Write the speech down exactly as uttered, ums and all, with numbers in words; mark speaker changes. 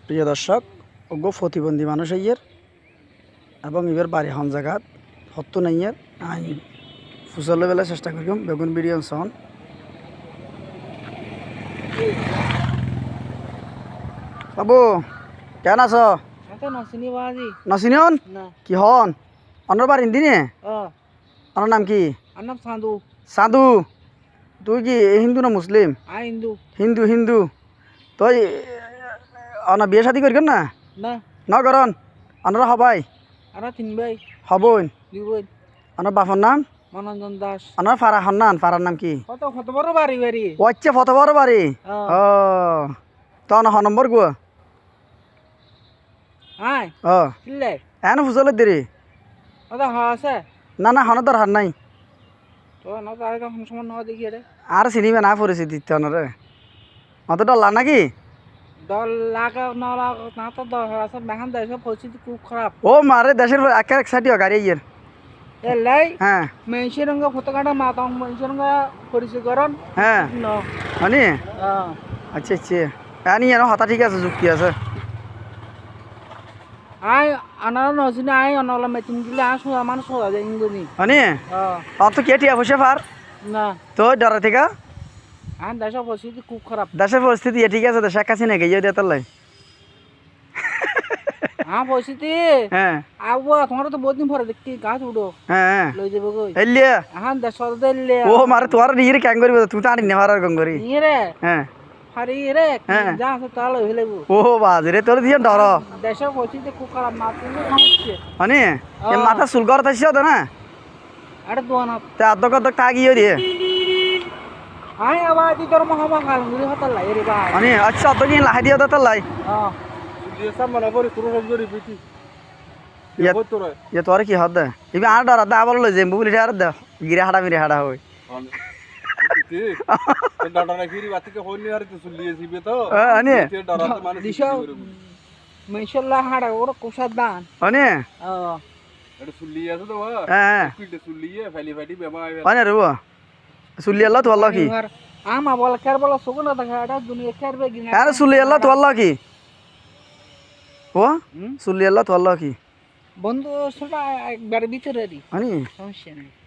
Speaker 1: প্রিয় দর্শক ওগো প্রতিবন্ধী মানুষ ইয়ের এবং এবার বাড়ি হন জায়গাত হত্য নাইয়ের আই ফুসলে বেলা চেষ্টা করিম বেগুন বিরিয়ান সন বাবু কেন আছ নচিনিয়ন কি হন অন্যর বাড়ি দিনে অন্যর নাম কি সাধু তুই কি হিন্দু না মুসলিম
Speaker 2: হিন্দু
Speaker 1: হিন্দু হিন্দু তুই অনা বিয়ে শাদি করি না
Speaker 2: না
Speaker 1: ন করন অনরা হবাই
Speaker 2: আরা তিন ভাই
Speaker 1: হবন
Speaker 2: দুই বোন
Speaker 1: অনার বাপর নাম
Speaker 2: মনোরঞ্জন দাস
Speaker 1: অনার ফারা হন্নান ফারার নাম কি
Speaker 2: কত কত বড় বাড়ি বাড়ি
Speaker 1: ওচ্ছে ফত বড় বাড়ি ও তো অনা হ নম্বর গো
Speaker 2: হাই
Speaker 1: ও
Speaker 2: কিলে
Speaker 1: এন ফুসলে দিরি
Speaker 2: ওটা হাসে
Speaker 1: না না হন দরকার নাই
Speaker 2: তো না তো আর কোন সময় না দেখি রে
Speaker 1: আর চিনিবে না পরিস্থিতি অনরে অত ডলা নাকি
Speaker 2: দল লাগা না লাগা না তো দল আছে মেহান দেশের পরিস্থিতি খুব খারাপ
Speaker 1: ও মারে দেশের এক এক সাইডিও গাড়ি ইয়ের
Speaker 2: এ লাই
Speaker 1: হ্যাঁ
Speaker 2: মেনশন রঙ ফটোকাটা মাতাং মেনশন রঙ পরিচয় করন
Speaker 1: হ্যাঁ
Speaker 2: ন
Speaker 1: মানে
Speaker 2: হ্যাঁ
Speaker 1: আচ্ছা আচ্ছা আনি এর হতা ঠিক আছে যুক্তি আছে
Speaker 2: আই আনার নছিনা আই অনলা মেচিন গিলা আসো মানুষ হওয়া যায় ইংরেজি
Speaker 1: মানে
Speaker 2: হ্যাঁ
Speaker 1: অত কেটিয়া বসে পার
Speaker 2: না
Speaker 1: তো ডরা থেকে
Speaker 2: আর দেশের পরিস্থিতি খুব খারাপ
Speaker 1: দেশের পরিস্থিতি এ ঠিক আছে দেশ কাছে নাকি ইয়ে দিয়ে তার
Speaker 2: হ্যাঁ পরিস্থিতি
Speaker 1: হ্যাঁ
Speaker 2: আবু তোমার তো বহুত দিন পরে দেখতে গাছ উঠো
Speaker 1: হ্যাঁ হ্যাঁ
Speaker 2: লই যাবো কই
Speaker 1: এলিয়া
Speaker 2: হ্যাঁ দেশ দিল্লি
Speaker 1: ও মারে তোর নিয়ে ক্যাং করিব তুই তো আনি নেওয়ার গং করি
Speaker 2: নিয়ে রে
Speaker 1: হ্যাঁ
Speaker 2: হারি রে
Speaker 1: হ্যাঁ।
Speaker 2: যা আছে তা লই হইলেবো
Speaker 1: ও বাজ রে তোর দিয়ে ডর
Speaker 2: দেশের পরিস্থিতি খুব খারাপ না তুমি সমস্যা
Speaker 1: মানে এ মাথা চুল কর তাইছ তো না
Speaker 2: আরে দোয়ানা
Speaker 1: তে আদক আদক তাগিয়ে দিয়ে
Speaker 2: আই আবার দি তোর মহামা খাল মুড়ি হতা লাই রে ভাই
Speaker 1: মানে আচ্ছা অত কি লাহাই দিয়ে তার লাই
Speaker 2: হ্যাঁ
Speaker 3: দিয়েছা মানে পরে তোর রমজরি পিটি
Speaker 1: ইয়া
Speaker 3: কত রে
Speaker 1: ইয়া তোর কি হদ ইবে আর ডর দা আবার লই যাই বুবলি আর দে গিরে হাড়া মিরে হাড়া হই
Speaker 3: ঠিক ডাটা রাখিরি বাতিকে হইনি আর তো সুলিয়েছি বে তো
Speaker 1: আনে
Speaker 3: তে ডরাতে মানে
Speaker 2: দিশা মেশাল্লাহ হাড়া ওরা কোষার দান
Speaker 1: আনে
Speaker 2: হ্যাঁ
Speaker 3: এটা সুলিয়ে আছে তো
Speaker 1: হ্যাঁ
Speaker 3: পিটে সুলিয়ে ফেলি ফেলি বেমা
Speaker 1: আনে রব সুলি আল্লাহ তো আল্লাহ কি
Speaker 2: আমা বল কার বল সুগুনা দেখা এটা দুনিয়া কারবে গিনা
Speaker 1: আরে সুলি আল্লাহ তো আল্লাহ কি ও সুলি আল্লাহ তো আল্লাহ কি
Speaker 2: বন্ধু সেটা একবার ভিতরে রি
Speaker 1: আনি
Speaker 2: সমস্যা নেই